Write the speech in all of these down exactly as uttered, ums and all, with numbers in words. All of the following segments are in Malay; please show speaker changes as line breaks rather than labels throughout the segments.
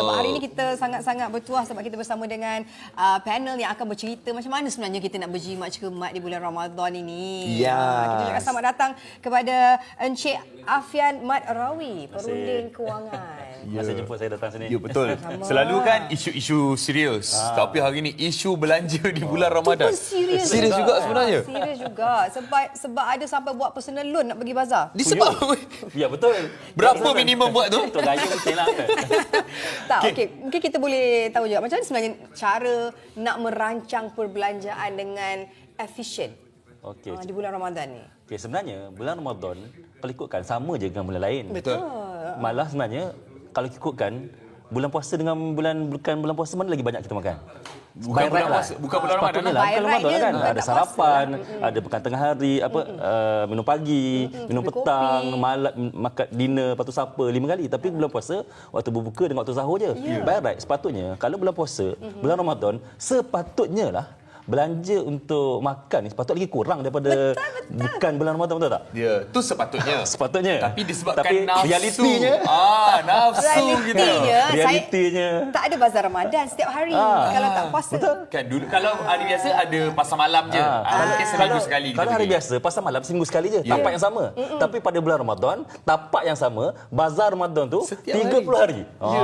hari ini kita sangat-sangat bertuah sebab kita bersama dengan uh, panel yang akan bercerita macam mana sebenarnya kita nak berjimat cermat di bulan Ramadan ini.
Ya.
Uh, kita juga selamat datang kepada Encik Afian Mat Rawi, perunding kewangan.
Ya. Masa jemput saya datang sini.
Ya, betul.
Sama.
Selalu kan isu-isu serius.
Ah.
Tapi hari ni isu belanja di bulan Ramadan.
Itu pun serius
Serius juga sebenarnya.
Serius juga. Sebab sebab ada sampai buat personal loan nak pergi bazar.
Disebab
Ya betul.
berapa minimum buat tu?
Untuk gaya mungkin lah kan.
Tak, okey. Okay. Mungkin kita boleh tahu juga macam mana sebenarnya cara nak merancang perbelanjaan dengan efisien
Okey.
uh, di bulan Ramadan ni.
Okey, sebenarnya bulan Ramadan kalau ikutkan sama je dengan bulan lain.
Betul.
Malah sebenarnya kalau ikutkan bulan puasa dengan bulan bukan bulan puasa mana lagi banyak kita makan?
Bukan bulan puasa, bukan bulan Ramadan
Sepatutnya
lah.
lah,
By
bukan
right
Ramadan
dia
kan.
bukan
Ada
tak
sarapan,
puasa
ada makan tengah hari, apa uh, minum pagi, minum
minum
petang,
kopi.
malam makan dinner, lepas tu supper lima kali. Tapi bulan puasa waktu berbuka dengan waktu sahur je.
Ya.
By right sepatutnya kalau bulan puasa, bulan Ramadan sepatutnya lah belanja untuk makan ni sepatutnya lagi kurang daripada
Betul, betul.
bukan bulan Ramadan, betul tak?
Ya, tu sepatutnya.
Sepatutnya.
Tapi disebabkan
Tapi
nafsu.
realitinya
Ah, nafsu gitu.
Realitinya,
Realitinya.
saya tak ada bazar Ramadan setiap hari
Ah.
kalau tak puasa.
Betul.
Kan dulu kalau hari biasa ada pasar malam je.
Ah,
Ah, mungkin seminggu
kalau,
sekali kita
Kalau hari
pergi.
biasa pasar malam seminggu sekali je,
Ya.
tapak yang sama. Tapi pada bulan Ramadan, tapak yang sama, bazar Ramadan tu
Setiap
tiga puluh hari.
Ya.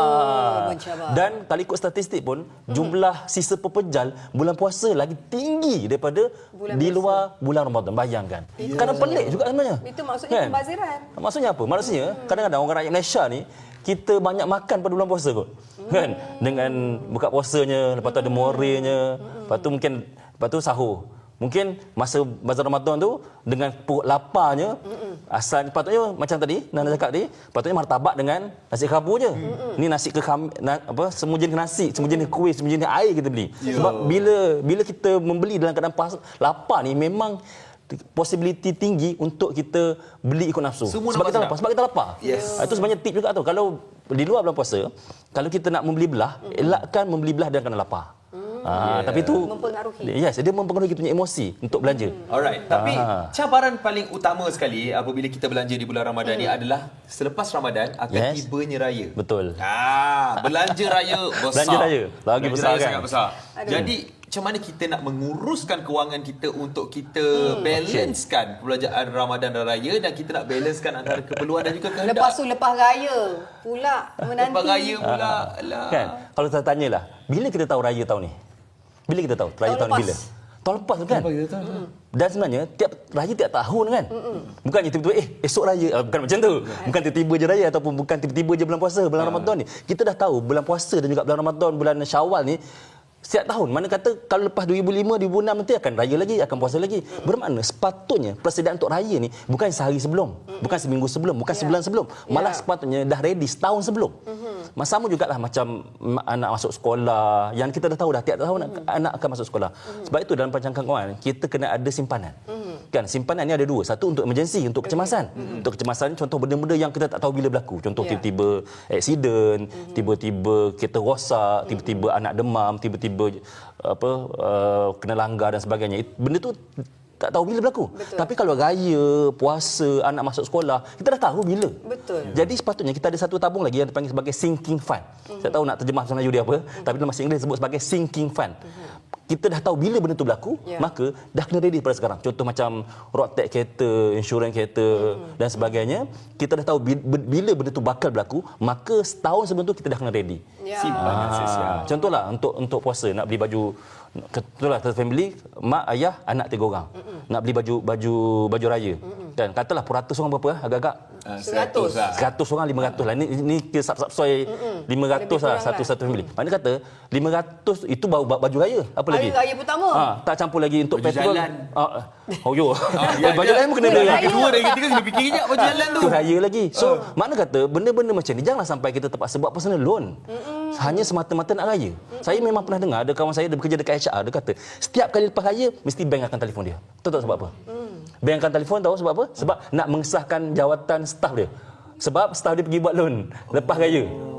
Ah.
mencabar.
Dan kalau ikut statistik pun, jumlah sisa pepejal bulan puasa lagi tinggi daripada
Bulan
di
biasa.
luar bulan Ramadan. Bayangkan. Kadang pelik juga sebenarnya.
Itu maksudnya pembaziran.
Maksudnya apa? Maksudnya kadang-kadang orang rakyat Malaysia ni kita banyak makan pada bulan puasa kot. Kan? Dengan buka puasanya, lepas tu ada morenya, lepas tu mungkin lepas tu sahur. Mungkin masa bazar Ramadan tu dengan perut laparnya asal patutnya macam tadi Nana cakap tadi, patutnya martabak dengan nasi kerabu je. Ni nasi ke kam, na, apa semua jenis nasi, semua jenis kuih, semua jenis air kita beli. Sebab bila bila kita membeli dalam keadaan pas, lapar ni memang possibility tinggi untuk kita beli ikut nafsu.
Semua
sebab
nampak
kita
sedap.
lapar, sebab kita lapar.
Yes.
Ah, itu sebenarnya tip juga tu. Kalau di luar bulan puasa, kalau kita nak membeli belah, elakkan membeli belah dalam keadaan lapar. Ah,
Yeah.
tapi itu
Mempengaruhi.
Yes, dia mempengaruhi kita punya emosi untuk belanja.
Alright, tapi
Ah.
cabaran paling utama sekali apabila kita belanja di bulan Ramadan ni adalah selepas Ramadan akan
Yes.
tibanya raya.
Betul.
Ah, belanja raya besar.
Belanja raya, lagi
belanja
besar
raya
kan?
sangat besar.
Aduh.
Jadi macam mana kita nak menguruskan kewangan kita untuk kita balancekan perbelanjaan Ramadan dan raya dan kita nak balancekan antara keperluan dan juga kehendak.
Lepas tu lepas raya pula menanti.
Lepas raya pula. Alah.
Kan? Kalau saya tanyalah, bila kita tahu raya tahun ni? Bila kita tahu? Raya
Tahun
tahun ni
lepas.
bila? Tahun lepas tu kan? Dan sebenarnya tiap raya tiap tahun kan. Bukannya tiba-tiba eh esok raya, ah, bukan macam tu. Bukan tiba-tiba je raya ataupun bukan tiba-tiba je bulan puasa, bulan Ramadan ni. Kita dah tahu bulan puasa dan juga bulan Ramadan, bulan Syawal ni setiap tahun. Mana kata kalau lepas dua ribu lima, dua ribu enam nanti akan raya lagi, akan puasa lagi. Bermakna sepatutnya persediaan untuk raya ni bukan sehari sebelum, bukan seminggu sebelum, bukan
Ya.
sebulan sebelum. Malah
Ya.
sepatutnya dah ready setahun sebelum. Mm-hmm. Sama jugalah macam ma- anak masuk sekolah, yang kita dah tahu dah tiap tahun mm-hmm. anak akan masuk sekolah. Mm-hmm. Sebab itu dalam perancangan kewangan kita kena ada simpanan. Mm-hmm. Kan simpanan ni ada dua, satu untuk emergency, untuk kecemasan. Mm-hmm. Untuk kecemasan contoh benda-benda yang kita tak tahu bila berlaku. Contoh
Ya.
tiba-tiba accident, mm-hmm. tiba-tiba kereta rosak, tiba-tiba mm-hmm. anak demam, tiba-tiba apa uh, kena langgar dan sebagainya. Benda tu tak tahu bila berlaku.
Betul.
Tapi kalau raya, puasa, anak masuk sekolah, kita dah tahu bila.
Betul.
Jadi sepatutnya kita ada satu tabung lagi yang dipanggil sebagai sinking fund. Mm-hmm. Saya tahu nak terjemah bahasa Melayu dia apa, mm-hmm. tapi dalam bahasa Inggeris disebut sebagai sinking fund. Mm-hmm. Kita dah tahu bila benda tu berlaku,
Yeah.
maka dah kena ready pada sekarang. Contoh macam road tax kereta, insurans kereta mm-hmm. dan sebagainya. Kita dah tahu bila benda tu bakal berlaku, maka setahun sebelum tu kita dah kena ready.
Ya.
Simpanan sesial.
Ah, contohlah untuk untuk puasa nak beli baju, contohlah satu family, mak, ayah, anak tiga orang. Mm-mm. Nak beli baju baju baju raya. Mm-mm. Kan katalah peratus orang berapa ah, agak-agak
Ah,
Seratus.
lah.
seratus orang lima ratus lah. Ni ni kita sub-subsoi lima ratus
Lebih
lah
kurang
satu
lah.
satu family. Mana kata lima ratus itu baru baju raya. Apa lagi?
Hari raya pertama.
Ha, tak campur lagi untuk
Baju
petrol.
jalan.
Ah, oh yo.
ya,
baju
ya.
raya pun kena beli
Raya.
lagi.
Kedua dan ketiga kena fikir kejap baju jalan tu.
Tu raya lagi. So, mana kata benda-benda macam ni janganlah sampai kita terpaksa buat personal loan. Mm-mm. Hanya semata-mata nak raya. Mm-mm. Saya memang pernah dengar ada kawan saya dia bekerja dekat H R, dia kata setiap kali lepas raya mesti bank akan telefon dia. Tahu tak sebab apa? Mm. Bank akan telefon tahu sebab apa? Sebab nak mengesahkan jawatan staf dia. Sebab staf dia pergi buat loan lepas raya.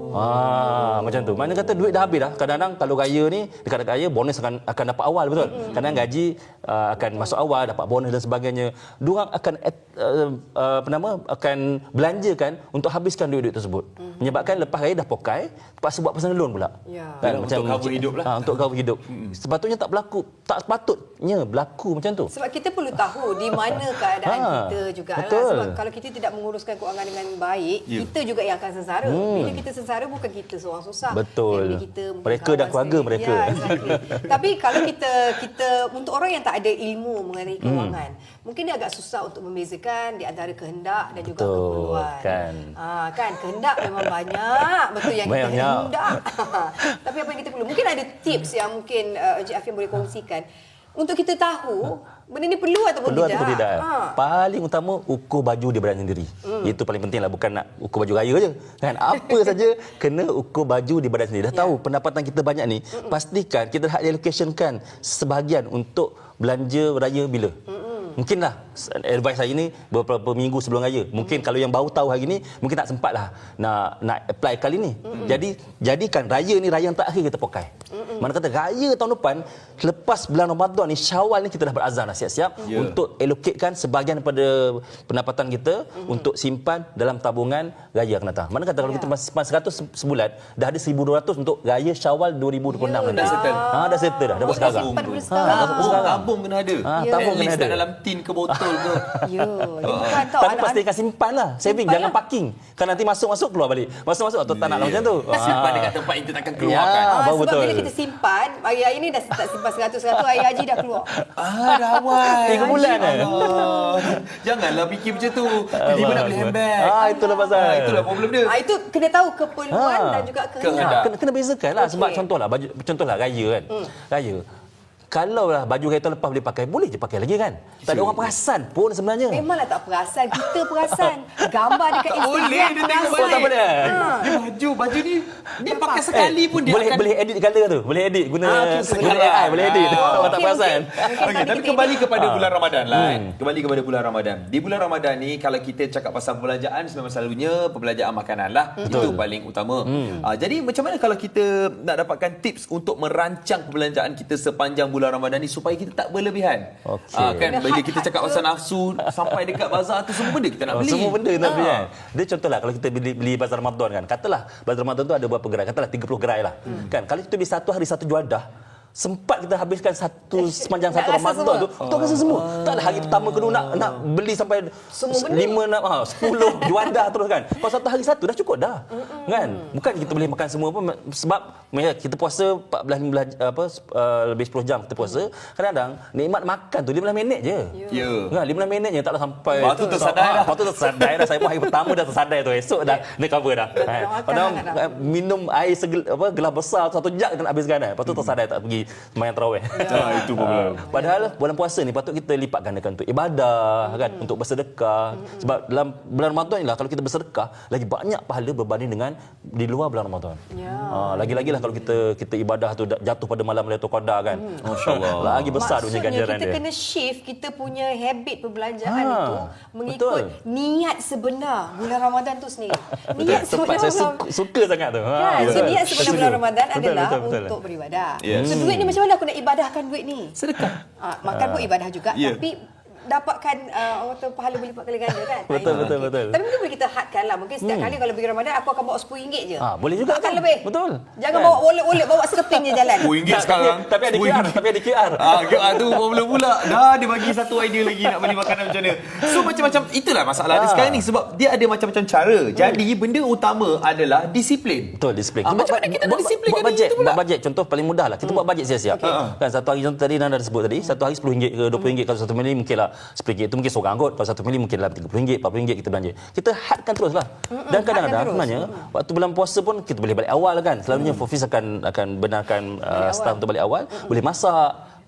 Ah, macam tu. Mana kata duit dah habis dah. Kadang-kadang kalau raya ni, dekat raya bonus akan akan dapat awal, betul. Kadang gaji uh, akan masuk awal, dapat bonus dan sebagainya. Diorang akan uh, uh, apa nama akan belanjakan untuk habiskan duit-duit tersebut. Mm-hmm. Menyebabkan lepas raya dah pokai, terpaksa buat personal loan pula.
Ya.
Kan,
Untuk cover hidup lah.
Ha, untuk cover hidup. Mm-hmm. Sepatutnya tak berlaku, tak sepatutnya berlaku macam tu.
Sebab kita perlu tahu di mana keadaan
Ha,
kita juga.
betul.
Sebab kalau kita tidak menguruskan kewangan dengan baik,
Ya.
kita juga yang akan sengsara.
Hmm.
Bila kita sengsara bukan kita seorang susah.
Betul.
Bila kita
Mereka dan keluarga
sendiri.
mereka.
Ya, exactly. Tapi kalau kita kita untuk orang yang tak ada ilmu mengenai kewangan, hmm. mungkin dia agak susah untuk membezakan di antara kehendak dan juga
Betul,
keperluan.
kan.
Ha, kan kehendak memang banyak, betul yang kita
Banyak.
hendak. Tapi apa yang kita perlu? Mungkin ada tips yang mungkin uh, Encik Afian boleh kongsikan untuk kita tahu benda ni perlu ataupun
Perlu
tidak.
ataupun tidak.
Ha.
Paling utama ukur baju dia badan sendiri. Hmm. Itu paling penting lah, bukan nak ukur baju raya je. Kan apa saja kena ukur baju di badan sendiri. Dah
Ya.
tahu pendapatan kita banyak ni, hmm. pastikan kita dah allocationkan sebahagian untuk belanja raya bila. Hmm. Mungkinlah advice saya ni beberapa minggu sebelum raya. Mungkin hmm. kalau yang baru tahu hari ni mungkin tak sempatlah nak nak apply kali ni. Hmm. Jadi jadikan raya ni raya yang terakhir kita pakai. Hmm. Mana kata raya tahun depan lepas bulan Ramadan ni Syawal ni kita dah berazam dah siap-siap yeah. untuk allocatekan sebahagian daripada pendapatan kita hmm. untuk simpan dalam tabungan raya akan datang. Mana kata kalau
yeah.
kita simpan seratus sebulan dah ada seribu dua ratus untuk raya Syawal dua ribu dua puluh enam
yeah,
nanti.
dah settle.
Ha dah settle dah. Dah buat sekarang.
Simpan dulu
Ha,
sekarang.
Tabung, tabung kena ada.
Ha,
Ya.
tabung
At
kena
least
ada.
tak dalam tin ke botol ke.
Ya, dia bukan tau
Tapi
anak-anak.
pastikan simpan lah. Saving,
Simpan
jangan
lah.
parking. Kan nanti masuk-masuk keluar balik. Masuk-masuk atau tak nak lah macam tu.
Simpan
Ah.
dekat tempat yang kita takkan
Ya.
keluarkan.
Ah,
Ah,
baru
sebab
betul.
bila kita simpan, hari-hari ni dah tak simpan seratus-seratus, hari haji dah keluar.
Ah, dah awal.
Tiga bulan eh.
Allah. Janganlah fikir macam tu. Tiba-tiba nak beli handbag.
Ah, itulah pasal.
Ah, itulah problem dia.
Ah, itu kena tahu keperluan
Ha.
dan juga
Kehendak.
kehendak.
Kena, kena bezakan lah.
Okey.
Sebab contohlah, baju, contohlah raya kan.
Hmm.
Raya. Kalau lah baju raya tahun lepas boleh pakai, boleh je pakai lagi kan. Tak ada orang perasan pun sebenarnya.
Memanglah tak perasan, kita perasan. Gambar dekat
Tak
Instagram
boleh dia tengok
perasan.
Oh, tak boleh.
Dia baju, baju ni dia pakai sekali pun dia
boleh
akan
boleh edit colour tu. Boleh edit guna
Ah, okey, okey.
guna A I, boleh edit.
Ah.
Orang tak
Okey,
perasan.
okey. Mungkin
Okey,
tadi
tapi
kita
kembali
edit.
kepada
Ah.
bulan Ramadan lah.
Hmm.
Kan? Kembali kepada bulan Ramadan. Di bulan Ramadan ni kalau kita cakap pasal perbelanjaan memang selalunya perbelanjaan makanan lah. Itu paling utama.
Hmm.
Ah, jadi macam mana kalau kita nak dapatkan tips untuk merancang perbelanjaan kita sepanjang bulan Ramadan ni supaya kita tak berlebihan.
Okey.
Ah, kan
Kena
bila
had-
kita
had
cakap
ke?
pasal nafsu sampai dekat bazar tu semua benda kita nak
Oh,
beli.
semua benda nak beli
Ah.
kan. Dia contohlah kalau kita beli beli bazar Ramadan kan. Katalah bazar Ramadan tu ada berapa gerai? Katalah tiga puluh gerai lah.
Hmm.
Kan kalau kita beli satu hari satu juadah, sempat kita habiskan satu sepanjang
Nak
satu
rasa
Ramadan
semua?
tu, tu rasa semua. Tak ada hari pertama kedua nak nak beli sampai
Semua benda.
lima enam ah sepuluh juadah terus kan. Kalau satu hari satu dah cukup dah. Kan? Bukan kita boleh makan semua pun sebab kita puasa empat belas lima belas apa uh, lebih sepuluh jam kita puasa. Kadang-kadang nikmat makan tu lima belas minit je.
Ya.
Kan lima belas minit je taklah sampai.
Lepas tu tersadai dah.
Lepas tu tersadai dah. Saya pun hari pertama dah tersadai tu. Esok dah dia cover dah.
Dah tak
Kan?
nak makan
Padahal
sangat dah.
eh, minum air segel, apa gelas besar satu jug kena habiskan kan. Lepas tu tersadai tak pergi sembahyang tarawih.
Ah, itu problem.
Padahal bulan puasa ni patut kita lipat gandakan untuk ibadah kan, untuk bersedekah. Sebab dalam bulan Ramadan ni lah kalau kita bersedekah lagi banyak pahala berbanding dengan di luar bulan Ramadan.
Ya.
Ha, lagi-lagi lah kalau kita kita ibadah tu jatuh pada malam Lailatul Qadar kan. Masya-Allah. Lagi besar dunia
Maksudnya
ganjaran
kita
dia.
kena shift kita punya habit perbelanjaan
Ha,
itu mengikut
betul.
niat sebenar bulan Ramadan tu sendiri. Niat
Tepat,
sebenar
saya
bulan-
suka, suka sangat tu. Ha,
Kan? So
betul.
niat sebenar
Saya
bulan
setuju.
Ramadan
Betul,
adalah
betul, betul.
untuk beribadah.
Yes.
So duit ni macam mana aku nak ibadahkan duit ni?
Sedekah.
Ah, makan pun ibadah juga
Ya.
tapi dapatkan uh, orang kata pahala berlipat kali ganda kan.
Betul,
Ah,
betul,
okey.
betul.
Tapi mungkin boleh kita hadkan lah. Mungkin setiap kali kalau pergi Ramadan aku akan bawa sepuluh ringgit je.
Ah, boleh juga
Akan
kan?
lebih.
Betul.
Jangan
Kan?
bawa wallet-wallet, bawa sekeping je jalan.
sepuluh ringgit
Tak,
sekarang.
Tapi, tapi ada Q R,
sepuluh ringgit.
tapi ada Q R.
Ah, Q R tu problem pula. Dah dia bagi satu idea lagi nak beli makanan macam mana. So macam-macam itulah masalah dia
Ah.
sekarang ni sebab dia ada macam-macam cara. Jadi benda utama adalah disiplin.
Betul, disiplin.
Ah, macam mana kita nak
buat,
disiplinkan
buat
diri
bajet,
tu pula?
buat bajet. Contoh paling mudah lah. Kita buat bajet siap-siap. Kan satu hari contoh tadi Nanda dah sebut tadi, satu hari sepuluh ringgit ke dua puluh ringgit, kalau satu mili mungkinlah sepuluh ringgit itu mungkin seorang kot. Kalau satu mili mungkin dalam tiga puluh ringgit, empat puluh ringgit kita belanja. Kita hadkan teruslah. Dan kadang-kadang
hadkan terus.
sebenarnya waktu bulan puasa pun kita boleh balik awal kan. Selalunya Fofis akan akan benarkan uh, staff untuk balik awal, boleh masak.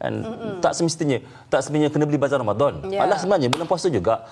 Kan? Mm-mm. Tak semestinya, tak semestinya kena beli bazar Ramadan.
Ya.
Malah sebenarnya bulan puasa juga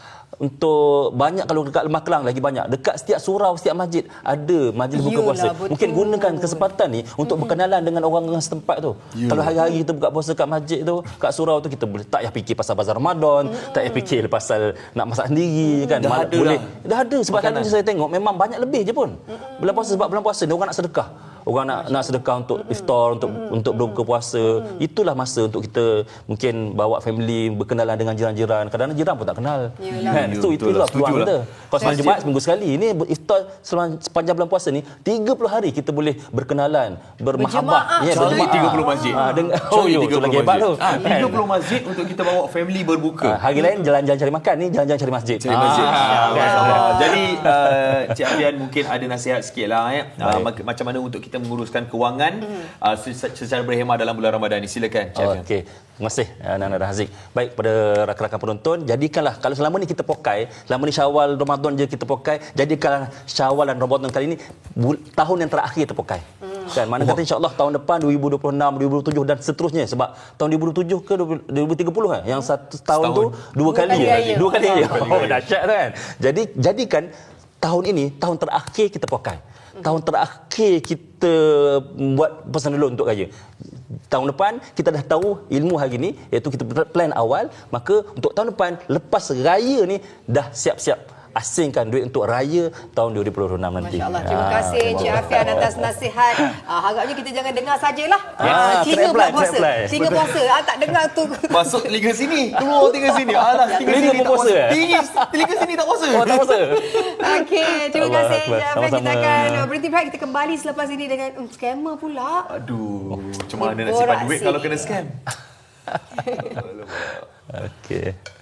untuk banyak, kalau dekat Lembah Kelang lagi banyak. Dekat setiap surau, setiap masjid ada majlis buka
Yolah,
puasa.
betul.
Mungkin gunakan kesempatan ni untuk mm-hmm. berkenalan dengan orang-orang setempat tu. Yeah. Kalau hari-hari kita buka puasa kat masjid tu, kat surau tu, kita boleh tak payah fikir pasal bazar Ramadan, mm-hmm. tak payah fikir pasal nak masak sendiri, mm-hmm. kan.
Dah
Mal-
ada
boleh.
dah.
Dah ada sebab hari ni saya tengok memang banyak lebih je pun. Mm-hmm. Bulan puasa, sebab bulan puasa ni orang nak sedekah. Orang nak nak sedekah untuk iftar, untuk mm-hmm. untuk berbuka puasa. Mm-hmm. Itulah masa untuk kita mungkin bawa family, berkenalan dengan jiran-jiran. Kadang-kadang jiran pun tak kenal.
Yelah.
Kan? So
Betul
itulah
lah,
peluang
setuju
kita.
lah.
Kalau semalam Jumaat seminggu sekali, ini iftar selama- sepanjang bulan puasa ni tiga puluh hari kita boleh berkenalan, bermahabbah.
Berjemaah.
Ya,
Cari
berjemaah.
tiga puluh masjid.
Ah, dengan
Cari
oh, yo,
tiga
tu
puluh
lagi hebat tu.
masjid. Ah, tiga puluh masjid untuk kita bawa family berbuka.
Ah, hari lain jalan-jalan cari makan, ni jalan-jalan cari masjid.
Cari masjid.
Ah,
Ah,
kan?
masya-Allah. Jadi uh, Cik Afian mungkin ada nasihat sikitlah ya. Uh,
Baik.
macam mana untuk kita menguruskan kewangan uh, secara berhemah dalam bulan Ramadan ni. Silakan Cik Afian.
Okey. Terima kasih Nana dan Haziq. Baik, kepada rakan-rakan penonton, jadikanlah kalau selama ni kita pokai, selama ni Syawal Ramadan je kita pokai, jadikanlah Syawal dan Ramadan kali ni bul- tahun yang terakhir kita pokai. Hmm. Kan mana kata insya-Allah tahun depan dua ribu dua puluh enam, dua ribu dua puluh tujuh dan seterusnya, sebab tahun dua ribu dua puluh tujuh ke dua ribu tiga puluh kan yang satu tahun
Setahun.
tu dua kali
kali
ya.
raya.
Dua kali ya.
kali
Oh
raya.
dahsyat tu kan. Jadi jadikan tahun ini tahun terakhir kita pokai. Tahun terakhir kita buat pesan dulu untuk raya. Tahun depan kita dah tahu ilmu hari ni, iaitu kita plan awal, maka untuk tahun depan lepas raya ni dah siap-siap asingkan duit untuk raya tahun dua ribu dua puluh enam nanti.
Masya-Allah. Terima
Ah,
kasih Cik Afian atas nasihat. Ah, harapnya kita jangan dengar sajalah.
Ya,
Ah, telinga
trap
pula
line,
puasa.
trap line.
Telinga puasa. Ah, tak dengar tu.
Masuk telinga sini, keluar telinga sini. Alah, telinga
Telinga
sini
pun
tak
puasa,
puasa.
eh?
Telinga, telinga sini tak puasa.
Oh, tak puasa.
Okey, terima
Allah
kasih
Akbar.
Cik Afian. Kita
Sama-sama.
akan uh, berhenti berehat. Kita kembali selepas ini dengan um, scammer pula.
Aduh, macam mana nak
Borak
simpan duit
sih.
kalau kena scam?
Okey.